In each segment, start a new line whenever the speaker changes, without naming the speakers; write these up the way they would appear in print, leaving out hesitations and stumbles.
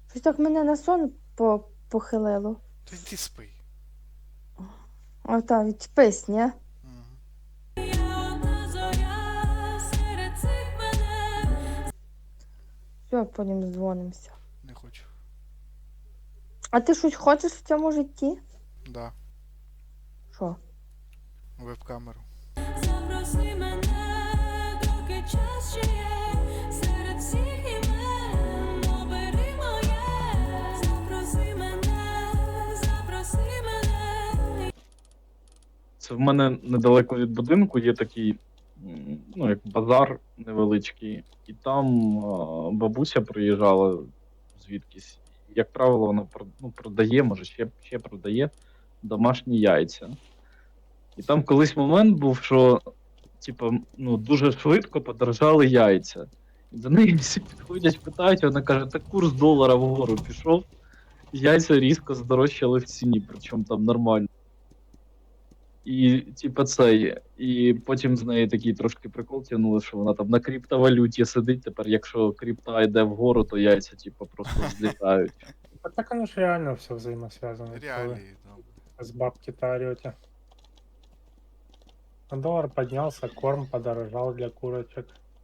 Щось так мене на сон похилило.
Та йди спи.
А та відчепись, ні?
Мгм.
Все, потім дзвонимося.
Не хочу.
А ти щось хочеш в цьому житті?
Да.
Що?
Веб-камеру.
Запроси мене, доки час ще є, серед всіх імен, обери моє. Запроси мене, запроси мене.
Це в мене недалеко від будинку є такий, ну, як базар невеличкий, і там бабуся приїжджала звідкись. Як правило, вона продає, може, ще продає домашні яйця. І там колись момент був, що типу, ну, дуже швидко подорожали яйця. І до неї всі підходять, питають, вона каже, та курс долара вгору пішов, яйця різко здорожчали в ціні, причому там нормально. І, типа, і потім з неї такий трошки прикол тягнули, що вона там на криптовалюті сидить. Тепер, якщо крипта йде вгору, то яйця, типа, просто злітають.
Так оно ж реально все взаимосвязано. Коли
Реалії, да.
с бабки-то орете. А доллар поднялся, корм подорожал для курочек.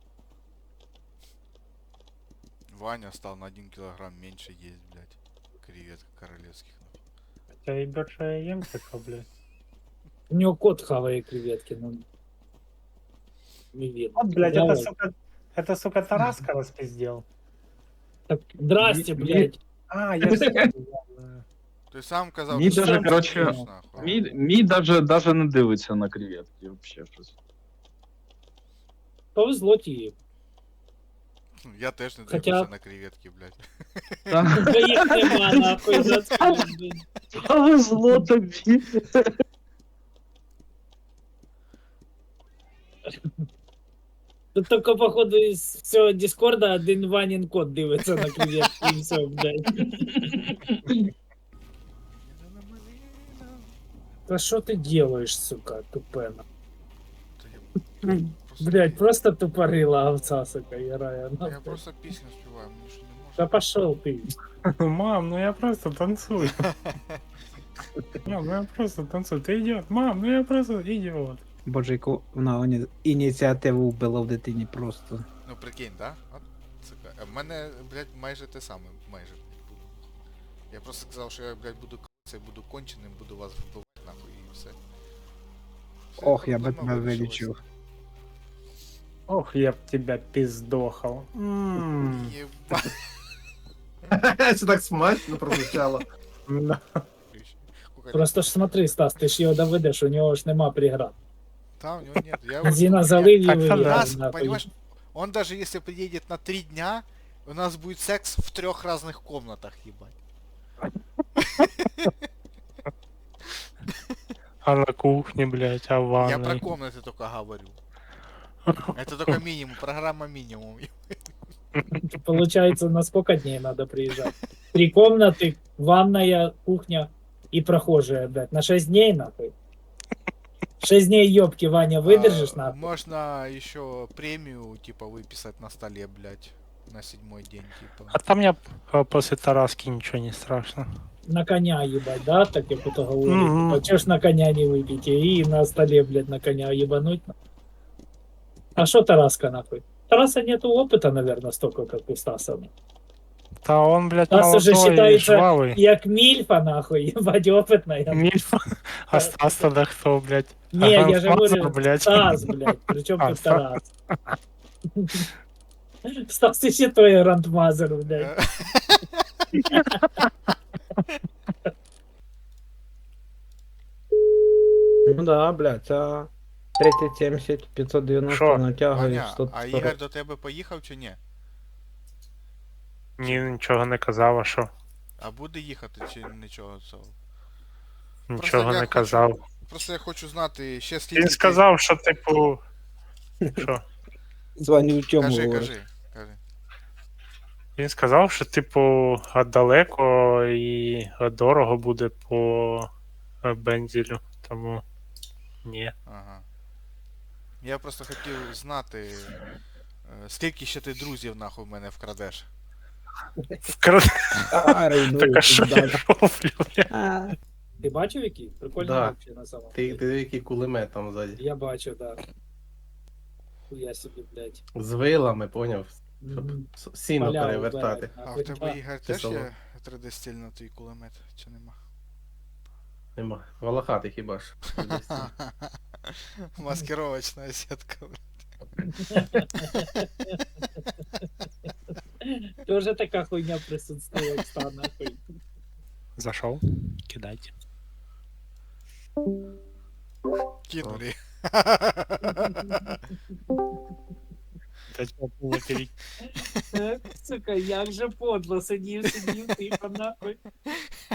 Ваня стал на 1 килограмм меньше есть, блядь. Креветок королевских.
Хотя и больше я ем, что, блядь.
У него кот хавает креветки, ну. Не видно.
Вот, блядь,
Давай.
это, сука, Тараска распиздел.
Так, здрасте,
Ми-
блядь.
А, я все понял.
Ты сам казав,
Мій
що
даже,
сам
короче,
їш, нахуй.
Мій даже не дивиться на креветки, вообще щось.
Повезло тебе.
Я теж не
Хоча-
дивлюся на креветки, блядь.
Та
Твоих нема, нахуй, заткнись.
повезло тобі.
Тут только, походу, из всего Дискорда один Ванин кот дивиться на креветки, и все, блядь. Да что ты делаешь, сука, тупена?
Та я просто-
Блядь, просто тупорила овца, сука, ярая.
Я просто пісню співаю, мені що не
Да
можна.
пошел ты.
Мам, ну я просто танцую. Мам, ну я просто танцую. Ты идиот. Мам, ну я просто идиот.
Боже, яку вона ініціативу вбила в дитині просто.
Ну прикинь, да? От, сука. А в мене, блядь, майже те саме, майже, блядь, було. Я просто сказав, що я, блядь, буду це буду конченим, буду вас вбивати, нахуй, і все. Все,
Ох, я би
проблема
тебе
вирішилась.
вилічив.
Ох, я б тебя пиздохал.
Єба.
Це так смачно прозвучало.
Да.
Просто ж смотри, Стас, ти ж його доведеш, у нього ж нема преград.
Там у него нет. Я
Бензина
я-
залив і
Так,
виїхав,
нас,
нахуй.
понимаешь, он даже если приедет на 3 дня, у нас будет секс в 3 разных комнатах, ебать.
А на кухне, блядь, а в
Я про
ванной.
комнаты только говорю. Это только минимум, программа минимум.
Получается, на сколько дней надо приезжать? 3 комнаты, ванная, кухня и прохожая, блядь. На 6 дней, нахуй. 6 дней, ёбки, Ваня, выдержишь,
А,
нахуй?
Можно еще премию, типа, выписать на столе, блядь, на 7-й день, типа.
А там я после Тараски ничего не страшно.
На коня, ебать, да? Так я кто-то говорит.
Мгм.
А чё ж на коня не выпить? И на столе, блядь, на коня ебануть? А что Тараска, нахуй? Тараса нету опыта, наверное, столько, как у Стаса.
Да он, блядь,
Стас уже
молодой и
считается
жвавый.
як мильфа, нахуй, ебать, опытная.
Мильф. А Стас тогда кто, блядь?
Не, я же
Грандмастер,
говорю,
блядь.
Стас, блядь, причем
А,
тут
Стас.
Тарас? Стас еще твой грандмазер, блядь.
Ну да, блядь, це 3070, 590
Що?
натягує
Ваня,
100.
а Ігор до тебе поїхав чи ні?
Ні, нічого не казав, а що?
А буде їхати чи нічого цього?
Нічого
я
не
хочу-
казав.
Просто я хочу знати ще скільки.
Він
ти-
сказав, що типу. Що?
Дзвоню в чому
Кажи,
говорить.
кажи.
Він сказав, що типу далеко і дорого буде по бензелю, тому ні.
Ага. Я просто хотів знати, скільки ще ти друзів нахуй в мене вкрадеш.
Вкрад...
Старий,
Так а що я
да.
роблю, бля?
Ти бачив який? Прикольний
Да.
вообще на самом
Ти
деле.
який кулемет там ззаді.
Я бачив, да. Хуя собі, блядь.
З вилами, поняв? Щоб
Мгм.
сіно
Поля
перевертати.
вбирать,
А в
нахуй,
тебе,
да.
Ігор,
Чи
теж
село?
є 3D-стиль на твій кулемет, чи нема?
Нема. Волохатий хіба ж.
Маскировочна сітка.
Тоже така хуйня присутствує, Оксан, нахуй.
Зашов? Кидайте.
Кинули.
Дать було перейти.
Сука, як же подло, сидів, тихо, нахуй.